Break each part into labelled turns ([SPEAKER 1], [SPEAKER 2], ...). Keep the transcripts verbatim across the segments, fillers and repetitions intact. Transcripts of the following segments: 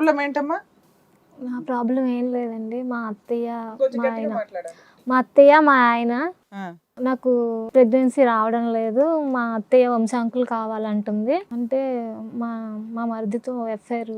[SPEAKER 1] Problem ఏంటమ్మా?
[SPEAKER 2] నా problem ఏం లేదండి. మా అత్తయ్య
[SPEAKER 1] కొంచెం
[SPEAKER 2] మా
[SPEAKER 1] గట్టిగా
[SPEAKER 2] ఆయన
[SPEAKER 1] మాట్లాడాలి.
[SPEAKER 2] మా అత్తయ్య మా ఆయన
[SPEAKER 1] ఆ,
[SPEAKER 2] నాకు ప్రెగ్నెన్సీ రావడం లేదు, మా అత్తయ్య వంశాంకులు కావాలంటుంది. అంటే మా మా మరిదితో ఎఫ్ఐఆర్.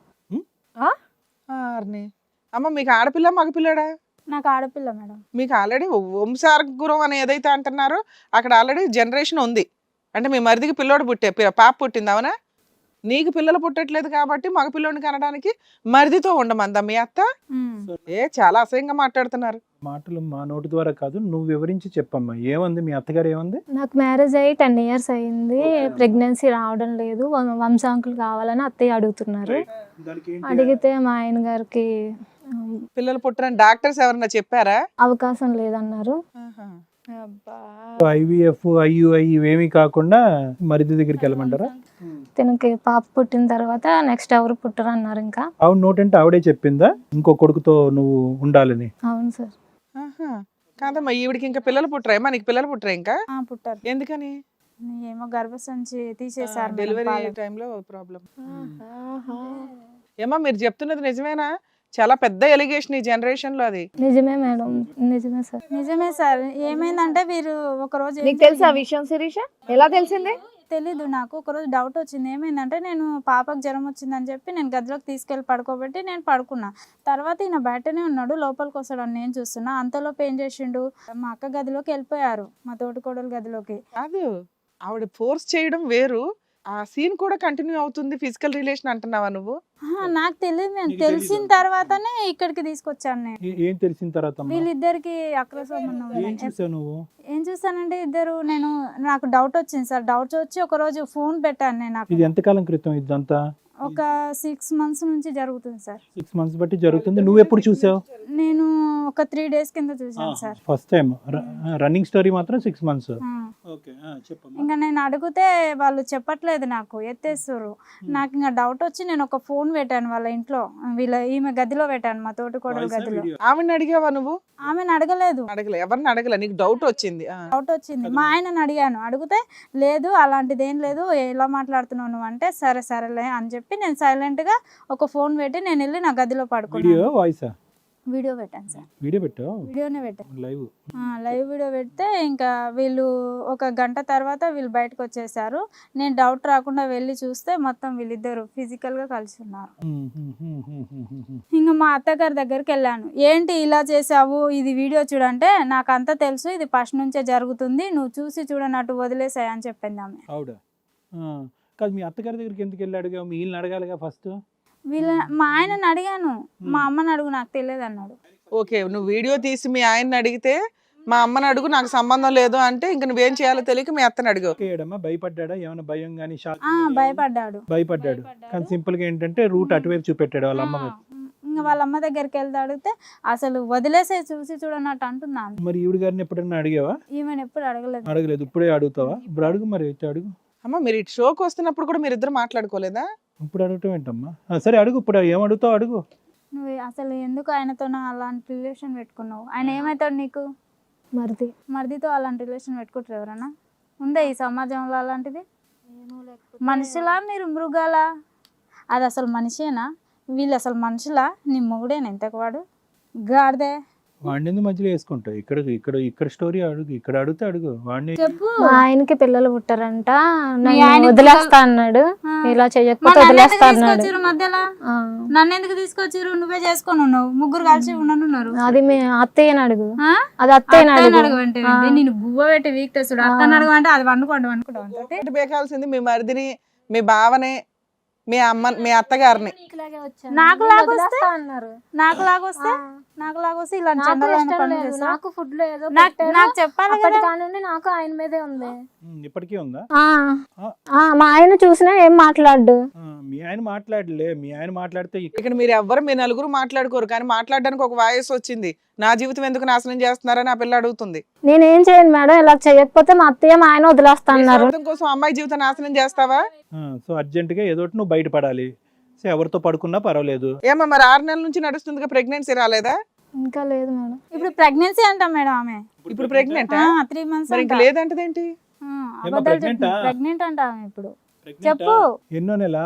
[SPEAKER 1] ఆర్ని. అమ్మ మీకు ఆడపిల్ల మగపిల్లడా?
[SPEAKER 3] నాకు ఆడపిల్ల మేడం.
[SPEAKER 1] మీకు ఆల్రెడీ వంశార్గురం అని ఏదైతే అంటున్నారో అక్కడ ఆల్రెడీ జనరేషన్ ఉంది. అంటే మీ మరిదికి పిల్లోడు పుట్టే పి- పాప పుట్టింది అవునా? నీకు పిల్లలు పుట్టట్లేదు కాబట్టి మగపిల్లోడిని కనడానికి మరిదితో ఉండమందా మీ అత్త?
[SPEAKER 3] ఉమ్.
[SPEAKER 1] ఏ చాలా అసహ్యంగా మాట్లాడుతున్నారు.
[SPEAKER 4] మాటలు మా నోటి ద్వారా కాదు, నువ్వు వివరించి చెప్పమ్మా. ఏమంది మీ అత్తగారు? ఏమంది?
[SPEAKER 2] నాకు మ్యారేజ్ అయ్యి టెన్ ఇయర్స్ అయింది, ప్రెగ్నెన్సీ రావడం లేదు, వం- వంశాంకులు కావాలని అత్తయ్య అడుగుతున్నారు. అడిగితే మా ఆయన గారికి ఆ,
[SPEAKER 1] పిల్లలు పుట్టరని డాక్టర్స్ ఎవరన్నా చెప్పారా?
[SPEAKER 2] అవకాశం లేదన్నారు.
[SPEAKER 1] ఆహా.
[SPEAKER 3] అబ్బా.
[SPEAKER 4] ఐవీఎఫ్ ఐయుఐ ఇవేమీ కాకుండా మరిది దగ్గరికి వెళ్ళమంటారా?
[SPEAKER 2] తనకి పాప పుట్టిన తర్వాత నెక్స్ట్ ఎవరు పుట్టరు అన్నారు. ఇంకా
[SPEAKER 4] ఆవిడ నోటంటే ఆవిడే చెప్పిందా ఇంకో కొడుకుతో నువ్వు ఉండాలని?
[SPEAKER 2] అవును సార్.
[SPEAKER 1] ఆహా. కాదమ్మా ఈవిడికి ఇంకా పిల్లలు పుట్టరా? నీకు పిల్లలు పుట్టరా ఇంకా?
[SPEAKER 3] ఆ, పుట్టారు.
[SPEAKER 1] ఎందుకని?
[SPEAKER 3] ఏమో గర్భసంచి తీసేసారు మేడం,
[SPEAKER 1] డెలివరీ
[SPEAKER 3] పాలు.
[SPEAKER 1] టైంలో ప్రాబ్లం. ఏమా మీరు చెప్తున్నది నిజమేనా? చాలా పెద్ద ఎలిగేషన్ ఈ జనరేషన్ లో అది.
[SPEAKER 2] నిజమే మేడం, నిజమే సార్.
[SPEAKER 3] నిజమే సార్. ఏమైందంటే వీరు ఒక రోజు ఏం
[SPEAKER 5] నీకు తెలుసా ఆ విషయం శిరీష? ఎలా తెలిసింది?
[SPEAKER 3] తెలీదు నాకు. ఒక రోజు డౌట్ వచ్చింది. ఏమైందంటే నేను పాపకు జ్వరం వచ్చిందని చెప్పి నేను గదిలోకి తీసుకెళ్ళి పడుకోబెట్టి నేను పడుకున్నా. తర్వాత ఈయన బయటనే ఉన్నాడు, లోపలికి వస్తాడు అని నేను చూస్తున్నా. అంతలోపు ఏం చేసిండు, మా అక్క గదిలోకి వెళ్ళిపోయారు, మా తోటికోడలు గదిలోకి.
[SPEAKER 1] కాదు ఆవిడ ఫోర్స్ చేయడం వేరు, ఆ సీన్ కూడా కంటిన్యూ అవుతుంది. ఫిజికల్ రిలేషన్ అంటున్నావా నువ్వు?
[SPEAKER 3] ఆహా, నాకు తెలియదు. నేను
[SPEAKER 4] నీకు
[SPEAKER 3] తెలిసిన
[SPEAKER 4] తెలీదు.
[SPEAKER 3] తర్వాతనే ఇక్కడికి తీసుకొచ్చాను నేను.
[SPEAKER 4] ఏ- ఏం తెలిసిన తర్వాత అమ్మా?
[SPEAKER 3] వీళ్ళిద్దరికి అక్ర సంబంధం
[SPEAKER 4] ఏం
[SPEAKER 3] ఉందని.
[SPEAKER 4] చూసావు నువ్వు?
[SPEAKER 3] ఏం చూసానంటే ఇద్దరు, నేను నాకు డౌట్ వచ్చింది సార్. డౌట్ వచ్చి ఒక రోజు ఫోన్ పెట్టాను నేను. నాకు
[SPEAKER 4] ఇది ఎంతకాలం క్రితం ఇదంతా?
[SPEAKER 3] ఒక సిక్స్ మంత్స్ నుంచి జరుగుతుంది సార్.
[SPEAKER 4] సిక్స్ మంత్స్ బట్టి జరుగుతుంది. నువ్వు ఎప్పుడు చూసావు?
[SPEAKER 3] నేను ఒక త్రీ డేస్ కింద చూసాను సార్.
[SPEAKER 4] First time. రన్నింగ్ స్టోరీ మాత్రం సిక్స్ మంత్స్.
[SPEAKER 3] ఆ.
[SPEAKER 4] ఓకే, చెప్పమ్మా.
[SPEAKER 3] ఇంకా నేను అడిగితే వాళ్ళు చెప్పట్లేదు, నాకు ఎత్తేస్తారు. నాకు ఇంకా డౌట్ వచ్చి నేను ఒక ఫోన్ పెట్టాను వాళ్ళ ఇంట్లో, వీళ్ళ ఈమె గదిలో పెట్టాను, మా తోటి కోడలు గదిలో.
[SPEAKER 1] ఆవిడని అడిగావా నువ్వు?
[SPEAKER 3] ఆమెను అడగలేదు.
[SPEAKER 1] అడగలే, ఎవరిని అడగలే, నీకు డౌట్ వచ్చింది. ఆ.
[SPEAKER 3] డౌట్ వచ్చింది. మా ఆయనను అడిగాను, అడిగితే లేదు అలాంటిది ఏం లేదు, ఎలా మాట్లాడుతున్నావు నువ్వు అంటే సరే సరేలే అని చెప్పి నేను సైలెంట్ గా ఒక ఫోన్ పెట్టి నేను వెళ్ళి నా గదిలో
[SPEAKER 4] వీడియో
[SPEAKER 3] పడుకున్నాను.
[SPEAKER 4] వాయిసా?
[SPEAKER 3] వీడియో పెట్టాను సార్.
[SPEAKER 4] వీడియో పెట్టావు?
[SPEAKER 3] వీడియోనే పెట్టాను.
[SPEAKER 4] లైవ్.
[SPEAKER 3] ఆ, లైవ్ వీడియో పెడితే ఇంకా వీళ్ళు ఒక గంట తర్వాత వీళ్ళు బయటకు వచ్చేసారు. నేను డౌట్ రాకుండా వెళ్ళి చూస్తే మొత్తం వీళ్ళిద్దరు ఫిజికల్ గా కలిసి ఉన్నారు. ఇంకా మా అత్తగారి దగ్గరికి వెళ్ళాను. ఏంటి ఇలా చేసావు, ఇది వీడియో చూడంటే నాకు అంతా తెలుసు, ఇది ఫస్ట్ నుంచే జరుగుతుంది, నువ్వు చూసి చూడనట్టు వదిలేసాయి అని చెప్పింది ఆమె.
[SPEAKER 4] ఆవిడ కాదు, మీ అత్తగారి దగ్గరికి ఎందుకు వెళ్ళి అడిగావు? మీ వీళ్ళని అడగాలిగా ఫస్ట్.
[SPEAKER 3] వీళ్ళ మా ఆయనని అడిగాను, మా అమ్మని అడుగు నాకు తెలియదు అన్నాడు.
[SPEAKER 1] ఓకే, నువ్వు వీడియో తీసి మీ ఆయన్ని అడిగితే మా అమ్మని అడుగు నాకు సంబంధం లేదు అంటే ఇంక నువ్వేం చేయాలో తెలియక మీ అత్తని అడిగావు.
[SPEAKER 4] ఏడమ్మా భయపడ్డా? ఏమైనా భయం కానీ షాక్?
[SPEAKER 3] ఆ భయపడ్డాడు.
[SPEAKER 4] భయపడ్డాడు. కానీ సింపుల్ గా ఏంటంటే రూట్ అటువైపు చూపెట్టాడు వాళ్ళ అమ్మ వైపు.
[SPEAKER 3] ఇంకా వాళ్ళ అమ్మ దగ్గరికి వెళ్తే అడిగితే అసలు వదిలేసే చూసి చూడనట్టు అంటున్నాను.
[SPEAKER 4] మరి ఈవిడ గారిని ఎప్పుడన్నా అడిగావా?
[SPEAKER 3] ఈమెను ఎప్పుడు అడగలేదు.
[SPEAKER 4] అడగలేదు. ఇప్పుడే అడుగుతావా? ఇప్పుడు అడుగు, మరి అయితే అడుగు.
[SPEAKER 1] అమ్మ మీరు ఇటు షోకి వస్తున్నప్పుడు కూడా మీరు ఇద్దరు మాట్లాడుకోలేదా?
[SPEAKER 4] ఇప్పుడు అడగటం ఏంటమ్మా? ఆ, సరే అడుగు, ఇప్పుడు ఏం అడుగుతావు అడుగు.
[SPEAKER 3] నువ్వు అసలు ఎందుకు ఆయనతో అలాంటి రిలేషన్ పెట్టుకున్నావు? ఆయన ఏమవుతాడు నీకు?
[SPEAKER 2] మరిది.
[SPEAKER 3] మరిదితో అలాంటి రిలేషన్ పెట్టుకుంటారు ఎవరన్నా? ఉందా ఈ సమాజంలో అలాంటిది? మనుషులా మీరు మృగాలా? అది అసలు మనిషేనా? వీళ్ళు అసలు మనుషులా? నీ మొగుడేనా ఇంతకు వాడు? గాడిదే.
[SPEAKER 4] వాడిని ఎందుకు మధ్యలో వేసుకుంటావు? ఇక్కడ ఇక్కడ ఇక్కడ స్టోరీ అడుగు, ఇక్కడ అడిగితే అడుగు. వాడిని
[SPEAKER 3] చెప్పు.
[SPEAKER 2] మా ఆయనకి పిల్లలు పుట్టారంట,
[SPEAKER 3] మీ
[SPEAKER 2] నన్ను
[SPEAKER 3] ఆయనకి
[SPEAKER 2] వదిలేస్తా అన్నాడు.
[SPEAKER 3] ఆ.
[SPEAKER 2] ఇలా
[SPEAKER 3] మరి
[SPEAKER 2] చెయ్యకపోతే
[SPEAKER 3] నన్ను ఎందుకు
[SPEAKER 2] వదిలేస్తా అన్నాడు.
[SPEAKER 3] తీసుకొచ్చిర్రు మధ్యలో?
[SPEAKER 2] ఆ.
[SPEAKER 3] నన్ను ఎందుకు తీసుకొచ్చిర్రు? నువ్వే చేసుకొని ఉన్నావు, ముగ్గురు కలిసి ఉండనున్నారు.
[SPEAKER 2] అది మీ అత్తయ్యని అడుగు.
[SPEAKER 3] ఆ?
[SPEAKER 2] అది అత్తయ్యని
[SPEAKER 3] అత్తని
[SPEAKER 2] అడుగు.
[SPEAKER 3] అడగమంటే
[SPEAKER 2] ఆ.
[SPEAKER 3] నేను గువ్వ పెట్టి వీక్ తెస్తుడు. అత్తని అడగమంటే అది వండుకోండి వండుకుంటాం అంతే.
[SPEAKER 1] ఒకటి బేకాల్సింది మీ మరిదిని, మీ బావని, మీ అమ్మ, మీ అత్తగారిని.
[SPEAKER 3] నాకు లాగొస్తే
[SPEAKER 2] వదిలేస్తా అన్నారు.
[SPEAKER 3] నాకు లాగొస్తే నాకు లాగొస్తే ఇలాంటి
[SPEAKER 2] నాకు
[SPEAKER 3] చండాలమైన
[SPEAKER 2] ఇష్టం
[SPEAKER 3] పనులు
[SPEAKER 2] లేదు.
[SPEAKER 3] చేస్తా.
[SPEAKER 2] నాకు ఫుడ్ లో ఏదో
[SPEAKER 3] నాకు
[SPEAKER 2] పెట్టారు.
[SPEAKER 3] నాకు చెప్పాలి
[SPEAKER 2] అప్పటి
[SPEAKER 3] కదా.
[SPEAKER 2] కానుండి నాకు ఆయన మీదే ఉంది.
[SPEAKER 4] ఉమ్, ఇప్పటికీ ఉందా?
[SPEAKER 2] ఆ.
[SPEAKER 4] ఆ.
[SPEAKER 2] ఆ, మా ఆయన చూసినా ఏం మాట్లాడు.
[SPEAKER 4] ఆ, మీ ఆయన మాట్లాడలే. మీ ఆయన మాట్లాడితే ఇక్కడ
[SPEAKER 1] ఇక్కడ మీరు ఎవ్వరు మీ నలుగురు మాట్లాడుకోరు కానీ మాట్లాడడానికి ఒక వాయిస్ వచ్చింది. నా జీవితం ఎందుకు నాశనం చేస్తున్నారని ఆ పిల్ల అడుగుతుంది.
[SPEAKER 2] నేనేం చేయను మేడం, ఇలా చేయకపోతే మా అత్తయ్య మా ఆయన వదిలేస్తా
[SPEAKER 1] నీ
[SPEAKER 2] అన్నారు.
[SPEAKER 1] స్వార్థం కోసం అమ్మాయి జీవితం నాశనం చేస్తావా?
[SPEAKER 4] సో అర్జెంటుగా ఏదో ఒకటి నువ్వు బయటపడాలి. సో ఎవరితో పడుకున్నా పర్వాలేదు.
[SPEAKER 1] ఏమో మరి ఆరు నెలల నుంచి నడుస్తుందిగా, ప్రెగ్నెన్సీ రాలేదా?
[SPEAKER 2] ఇంకా లేదు మేడం.
[SPEAKER 3] ఇప్పుడు ప్రెగ్నెన్సీ అంటాం మేడం ఆమె.
[SPEAKER 1] ఇప్పుడు ప్రెగ్నెంట్
[SPEAKER 3] త్రీ మంత్స్
[SPEAKER 1] మరి ఇంకా లేదంటదేంటి?
[SPEAKER 4] pregnant ఆ?
[SPEAKER 3] ప్రెగ్నెంట్ అంట ఆమె ఇప్పుడు.
[SPEAKER 4] Pregnant
[SPEAKER 3] చెప్పు.
[SPEAKER 4] ఆ? ఎన్నో నెల?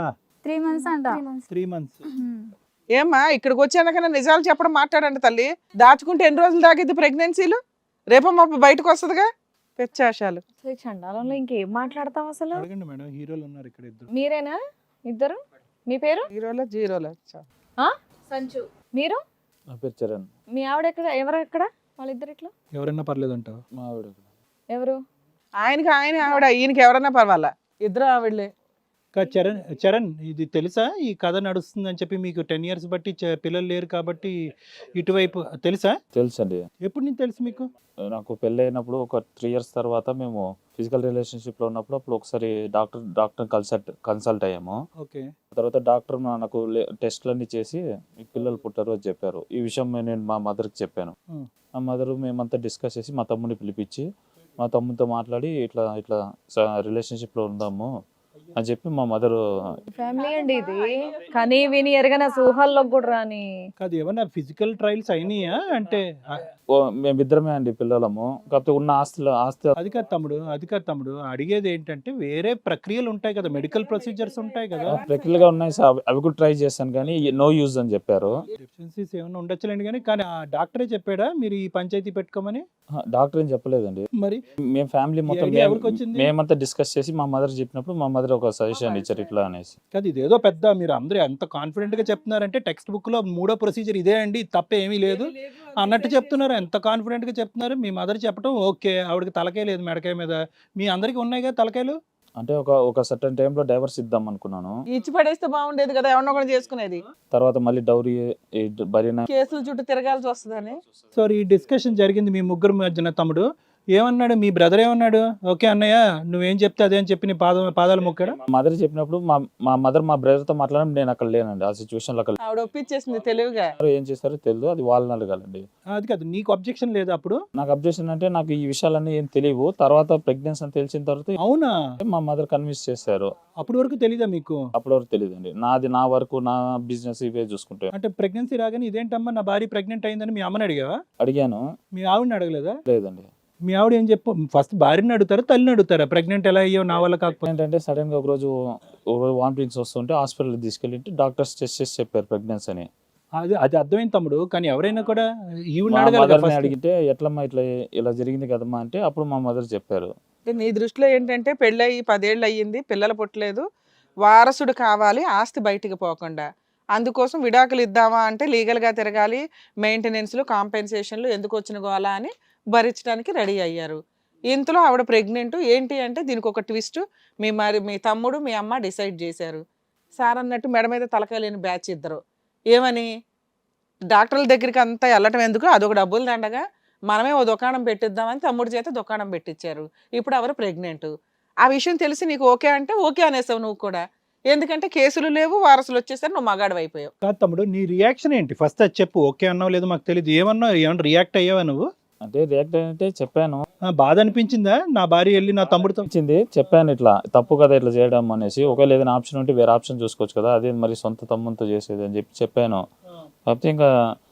[SPEAKER 3] త్రీ మంత్స్ అంట
[SPEAKER 4] త్రీ మంత్స్
[SPEAKER 1] ఏమ్మా ఇక్కడికి వచ్చాకన్నా నిజాలు చెప్పడం మాట్లాడండి తల్లి. దాచుకుంటే ఎన్ని రోజులు దాగిద్ది ప్రెగ్నెన్సీలు? రేపో మాపు బయటకు వస్తుందిగా పెచ్చాశాలు.
[SPEAKER 5] అసలు ఈ చండాలంలో ఇంకేం మాట్లాడతాం అసలు?
[SPEAKER 4] అడగండి మేడం, హీరోలు ఉన్నారు ఇక్కడ ఇద్దరు.
[SPEAKER 5] మీరేనా ఇద్దరు? మీ పేరు?
[SPEAKER 1] జీరోలో జీరోలో
[SPEAKER 5] ఆ? సంచు. మీరు?
[SPEAKER 6] నా పేరు చరణ్.
[SPEAKER 5] మీ ఆవిడ ఎక్కడ? ఎవరు ఎక్కడ? వాళ్ళిద్దరు ఇట్లా
[SPEAKER 4] ఎవరైనా పర్లేదు అంటావా?
[SPEAKER 6] మా ఆవిడ
[SPEAKER 5] ఎవరు?
[SPEAKER 1] ఆయనకి ఆయన ఆవిడ, ఈయనకి ఎవరన్నా పర్వాలా, ఇద్దరు ఆవిడలే.
[SPEAKER 4] కా- చరణ్ చరణ్ ఇది తెలుసా ఈ కథ నడుస్తుంది అని చెప్పి? మీకు టెన్ ఇయర్స్ బట్టి చ- పిల్లలు లేరు కాబట్టి ఇటువైపు తెలుసా?
[SPEAKER 6] తెలుసు అండి.
[SPEAKER 4] ఎప్పుడు నుంచి తెలుసు మీకు?
[SPEAKER 6] నాకు పెళ్ళి అయినప్పుడు ఒక త్రీ ఇయర్స్ తర్వాత మేము ఫిజికల్ రిలేషన్షిప్లో ఉన్నప్పుడు అప్పుడు ఒకసారి డాక్టర్ డాక్టర్ కన్సల్ట్ కన్సల్ట్ అయ్యాము.
[SPEAKER 4] ఓకే.
[SPEAKER 6] తర్వాత డాక్టర్ నాకు టెస్ట్లన్నీ చేసి మీకు పిల్లలు పుట్టారు అని చెప్పారు. ఈ విషయం నేను మా మదర్కి చెప్పాను.
[SPEAKER 4] Hmm.
[SPEAKER 6] మా మదర్ మేమంతా డిస్కస్ చేసి మా తమ్ముడిని పిలిపించి మా తమ్ముడితో మాట్లాడి ఇట్లా ఇట్లా రిలేషన్షిప్లో ఉందాము అని చెప్పి మా మదర్.
[SPEAKER 5] ఫ్యామిలీ అండి ఇది. కానీ విని ఎరగన ఊహల్లోకి కూడా రాని.
[SPEAKER 4] కాదు, ఏమన్నా ఫిజికల్ ట్రయల్స్ అయినాయా అంటే? ఆ,
[SPEAKER 6] మేమిద్దరమే అండి పిల్లలము. కాకపోతే ఉన్న ఆస్తులు ఆస్తి
[SPEAKER 4] అది కాదు తమ్ముడు, అది కాదు తమ్ముడు, అడిగేది ఏంటంటే వేరే ప్రక్రియలు ఉంటాయి కదా, మెడికల్ ప్రొసీజర్స్ ఉంటాయి కదా.
[SPEAKER 6] ప్రక్రియలుగా ఉన్నాయి సార్, అవి కూడా ట్రై చేశాను కానీ నో యూజ్ అని చెప్పారు.
[SPEAKER 4] డెఫిషియన్సీస్ ఏమైనా ఉండొచ్చులేండి కానీ కానీ ఆ డాక్టరే చెప్పాడా మీరు ఈ పంచాయతీ పెట్టుకోమని?
[SPEAKER 6] డాక్టర్ ఏం చెప్పలేదండి.
[SPEAKER 4] మరి
[SPEAKER 6] మేము ఫ్యామిలీ మొత్తం
[SPEAKER 4] idea ఎవరికి వచ్చింది?
[SPEAKER 6] మేమంతా డిస్కస్ చేసి మా మదర్ చెప్పినప్పుడు మా మదర్ ఒక సజెషన్ ఇచ్చారు ఇట్లా అనేసి.
[SPEAKER 4] కాదు, ఇదేదో పెద్ద మీరు అందరూ ఎంత కాన్ఫిడెంట్ గా చెప్తున్నారంటే టెక్స్ట్ బుక్ లో మూడో ప్రొసీజర్ ఇదే అండి, తప్ప ఏమీ లేదు అన్నట్టు చెప్తున్నారు. ఎంత కాన్ఫిడెంట్ గా చెప్తున్నారు. మీ మదర్ చెప్పడం ఓకే, ఆవిడకి తలకాయ లేదు మెడకాయ మీద, మీ అందరికి ఉన్నాయి కదా తలకాయలు.
[SPEAKER 6] అంటే ఒక ఒక సర్టన్ టైంలో డైవర్స్ ఇద్దాం అనుకున్నాను.
[SPEAKER 1] ఇచ్చి పడేస్తే బాగుండేది కదా, ఎవరినో ఒకటి చేసుకునేది.
[SPEAKER 6] తర్వాత మళ్ళీ డౌరీ భరిన
[SPEAKER 1] కేసుల చుట్టూ తిరగాల్సి వస్తుందని.
[SPEAKER 4] సో ఈ డిస్కషన్ జరిగింది మీ ముగ్గురు మధ్యన. తమ్ముడు ఏమన్నాడు? మీ బ్రదర్ ఏమన్నాడు? ఓకే అన్నయ్య నువ్వేం చెప్తే అదే అని చెప్పి నీ పాద పాదాలు మొక్కాడు.
[SPEAKER 6] మా మదర్ చెప్పినప్పుడు మా మా మదర్ మా బ్రదర్ తో మాట్లాడడం నేను అక్కడ లేనండి. ఆ సిచ్యువేషన్ లో అక్కడ
[SPEAKER 1] ఆవిడ ఒప్పించేసింది తెలివిగా.
[SPEAKER 6] ఏం చేస్తారో తెలియదు, అది వాళ్ళని అడగాలండి.
[SPEAKER 4] అది కాదు, నీకు అబ్జెక్షన్ లేదు అప్పుడు?
[SPEAKER 6] నాకు అబ్జెక్షన్ అంటే నాకు ఈ విషయాలన్నీ ఏం తెలియవు. తర్వాత ప్రెగ్నెన్సీ అని తెలిసిన తర్వాత
[SPEAKER 4] అవునా?
[SPEAKER 6] మా మదర్ కన్విన్స్ చేశారు.
[SPEAKER 4] అప్పటి వరకు తెలీదా మీకు?
[SPEAKER 6] అప్పటి వరకు తెలియదండి. నాది నా వరకు నా బిజినెస్ ఇవే చూసుకుంటే.
[SPEAKER 4] అంటే ప్రెగ్నెన్సీ రాగానే ఇదేంటమ్మా నా భార్య ప్రెగ్నెంట్ అయిందని మీ అమ్మని అడిగావా?
[SPEAKER 6] అడిగాను.
[SPEAKER 4] మీ ఆవిడని అడగలేదా?
[SPEAKER 6] లేదండి.
[SPEAKER 4] మీ ఆవిడ ఏం చెప్పు? ఫస్ట్ భార్యని అడుగుతారా తల్లిని అడుగుతారా? ప్రెగ్నెంట్ ఎలా అయ్యో నా వల్ల కాకపోతే?
[SPEAKER 6] ఏంటంటే సడన్ గా ఒక రోజు వామిటింగ్స్ వస్తుంటే హాస్పిటల్ తీసుకెళ్ళి డాక్టర్స్ టెస్ట్ చేసి చెప్పారు ప్రెగ్నెన్సీ అని.
[SPEAKER 4] అది అది అర్థమైంది తమ్ముడు, కానీ ఎవరైనా కూడా ఈవిడ
[SPEAKER 6] మా
[SPEAKER 4] అడగాలి కదా
[SPEAKER 6] మదర్ని
[SPEAKER 4] first.
[SPEAKER 6] అడిగితే ఎట్లమ్మా ఇట్లా ఇలా జరిగింది కదమ్మా అంటే అప్పుడు మా మదర్ చెప్పారు.
[SPEAKER 1] అంటే నీ దృష్టిలో ఏంటంటే పెళ్ళయి పదేళ్ళు అయ్యింది, పిల్లలు పుట్టలేదు, వారసుడు కావాలి ఆస్తి బయటికి పోకుండా, అందుకోసం విడాకులు ఇద్దామా అంటే లీగల్గా తిరగాలి, మెయింటెనెన్స్లు కాంపెన్సేషన్లు ఎందుకు వచ్చిన గోలా అని భరించడానికి రెడీ అయ్యారు. ఇంతలో ఆవిడ ప్రెగ్నెంట్. ఏంటి అంటే దీనికి ఒక ట్విస్ట్, మీ మరి మీ తమ్ముడు మీ అమ్మ డిసైడ్ చేశారు. సార్ అన్నట్టు మెడ మీద తలకాయ లేని బ్యాచ్ ఇద్దరు. ఏమని డాక్టర్ల దగ్గరికి అంతా వెళ్ళటం ఎందుకు, అదొక డబ్బులు దండగా, మనమే ఓ దుకాణం పెట్టిద్దామని తమ్ముడి చేత దుకాణం పెట్టించారు. ఇప్పుడు ఎవరు ప్రెగ్నెంట్. ఆ విషయం తెలిసి నీకు ఓకే అంటే ఓకే అనేసావు నువ్వు కూడా. ఎందుకంటే కేసులు లేవు, వారసులు వచ్చేసరి నువ్వు మగాడు అయిపోయావు.
[SPEAKER 4] కాదు తమ్ముడు, నీ రియాక్షన్ ఏంటి ఫస్ట్ అది చెప్పు. ఓకే అన్నావు లేదో మాకు తెలియదు, ఏమన్నావు? ఏమన్నా రియాక్ట్ అయ్యావా నువ్వు?
[SPEAKER 6] అంటే రియాక్ట్ అంటే చెప్పాను.
[SPEAKER 4] ఆ, బాధ అనిపించిందా? నా భార్య వెళ్ళి నా తమ్ముడితో
[SPEAKER 6] వచ్చింది చెప్పాను ఇట్లా తప్పు కదా ఇట్లా చేయడం అనేసి, ఒకవేళ ఏదైనా ఆప్షన్ ఉంటే వేరే ఆప్షన్ చూసుకోవచ్చు కదా, అదే మరి సొంత తమ్ముతో చేసేది అని చెప్పి చెప్పాను. కాకపోతే ఇంకా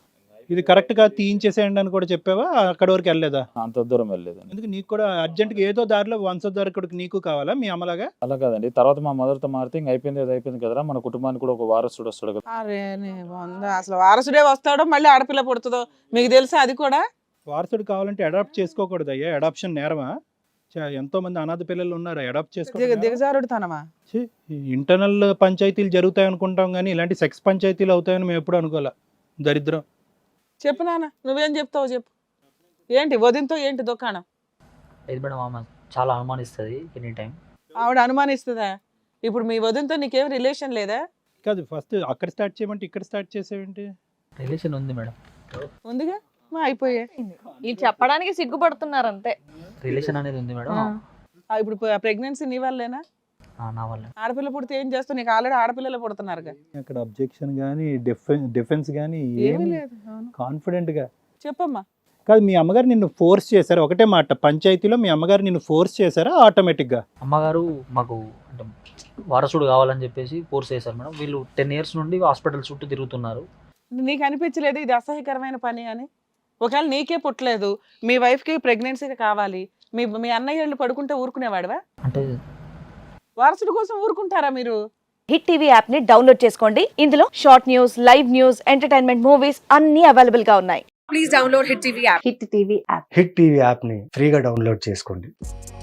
[SPEAKER 4] ఇది కరెక్ట్ గా తీయించేసేయండి అని కూడా చెప్పావా? అక్కడ వరకు వెళ్ళలేదా?
[SPEAKER 6] అంత దూరం వెళ్ళలేదండి.
[SPEAKER 4] ఎందుకు నీకు కూడా అర్జెంట్ గా ఏదో దారిలో వంశోద్ధారకుడికి నీకు కావాలా మీ అమ్మలాగా?
[SPEAKER 6] అలా కాదండి. తర్వాత మా మదర్తో మారితే ఇంక అయిపోయింది అది అయిపోయింది కదరా, మన కుటుంబానికి కూడా ఒక వారసుడు వస్తాడు కదా.
[SPEAKER 1] అరే నీ వంద, అసలు వారసుడే వస్తాడో మళ్ళీ ఆడపిల్ల పుడుతుందో మీకు తెలుసా? అది కూడా
[SPEAKER 4] వారసుడు కావాలంటే అడాప్ట్ చేసుకోకూడదు అయ్యా. అడాప్షన్ నేరమా? చా- ఎంతో మంది అనాథ పిల్లలు ఉన్నారు, అడాప్ట్
[SPEAKER 1] దిగ
[SPEAKER 4] చేసుకో.
[SPEAKER 1] దిగజారుడు తనమా?
[SPEAKER 4] ఇంటర్నల్ పంచాయతీలు జరుగుతాయి అనుకుంటాం కానీ ఇలాంటి సెక్స్ పంచాయతీలు అవుతాయని మేము ఎప్పుడు అనుకోలే. దరిద్రం.
[SPEAKER 1] చెప్పు నాన్న, నువ్వేం చెప్తావు చెప్పు. ఏంటి వదినతో ఏంటి దుకాణం?
[SPEAKER 7] లేదు మేడం, ఆమె చాలా అనుమానిస్తుంది ఎనీ టైం.
[SPEAKER 1] ఆవిడ అనుమానిస్తుందా? ఇప్పుడు మీ వదినతో నీకేం రిలేషన్ లేదా?
[SPEAKER 4] కాదు, ఫస్ట్ అక్కడ స్టార్ట్ చేయమంటే ఇక్కడ స్టార్ట్ చేసేవేంటి?
[SPEAKER 7] రిలేషన్ ఉంది మేడం,
[SPEAKER 1] ఉందిగా, మా అయిపోయా.
[SPEAKER 5] ఇది చెప్పడానికి సిగ్గుపడుతున్నారు అంతే.
[SPEAKER 7] రిలేషన్ అనేది ఉంది మేడం.
[SPEAKER 1] ఆ, ఇప్పుడు ప్రెగ్నెన్సీ నీ వల్లేనా?
[SPEAKER 7] ఆ, నా వల్ల.
[SPEAKER 1] ఆడపిల్ల పుడితే ఏం చేస్తావు? నీకు ఆల్రెడీ ఆడపిల్లలు పుడుతున్నారుగా.
[SPEAKER 4] అక్కడ అబ్జెక్షన్ కానీ డిఫెన్స్ డిఫెన్స్ కానీ
[SPEAKER 1] ఏమీ
[SPEAKER 4] ఏమి
[SPEAKER 1] లేదు. అవును.
[SPEAKER 4] కాన్ఫిడెంట్ గా
[SPEAKER 1] చెప్పమ్మా.
[SPEAKER 4] కాదు, మీ అమ్మగారు నిన్ను ఫోర్స్ చేశారా? ఒకటే మాట, పంచాయతీలో మీ అమ్మగారు నిన్ను ఫోర్స్ చేశారా ఆటోమేటిక్ గా?
[SPEAKER 7] అమ్మగారు మాకు అంటే వారసుడు కావాలని చెప్పేసి ఫోర్స్ చేశారు మేడం. వీళ్ళు టెన్ ఇయర్స్ నుండి హాస్పిటల్ చుట్టూ తిరుగుతున్నారు.
[SPEAKER 1] నీకు అనిపించలేదు ఇది అసహ్యకరమైన పని అని? ఒకవేళ నీకే పుట్టలేదు, మీ వైఫ్కి ప్రెగ్నెన్సీగా కావాలి, మీ మీ అన్నయ్య వాళ్ళు పడుకుంటే ఊరుకునేవాడివా?
[SPEAKER 7] అంటే
[SPEAKER 1] వారసుడి కోసం ఊరుకుంటారా మీరు?
[SPEAKER 8] హిట్ టీవీ యాప్ ని డౌన్లోడ్ చేసుకోండి. ఇందులో short news, live news, entertainment movies అన్ని అవైలబుల్ గా ఉన్నాయి.
[SPEAKER 9] Hit TV app hit TV app ని ఫ్రీగా డౌన్లోడ్ చేసుకోండి.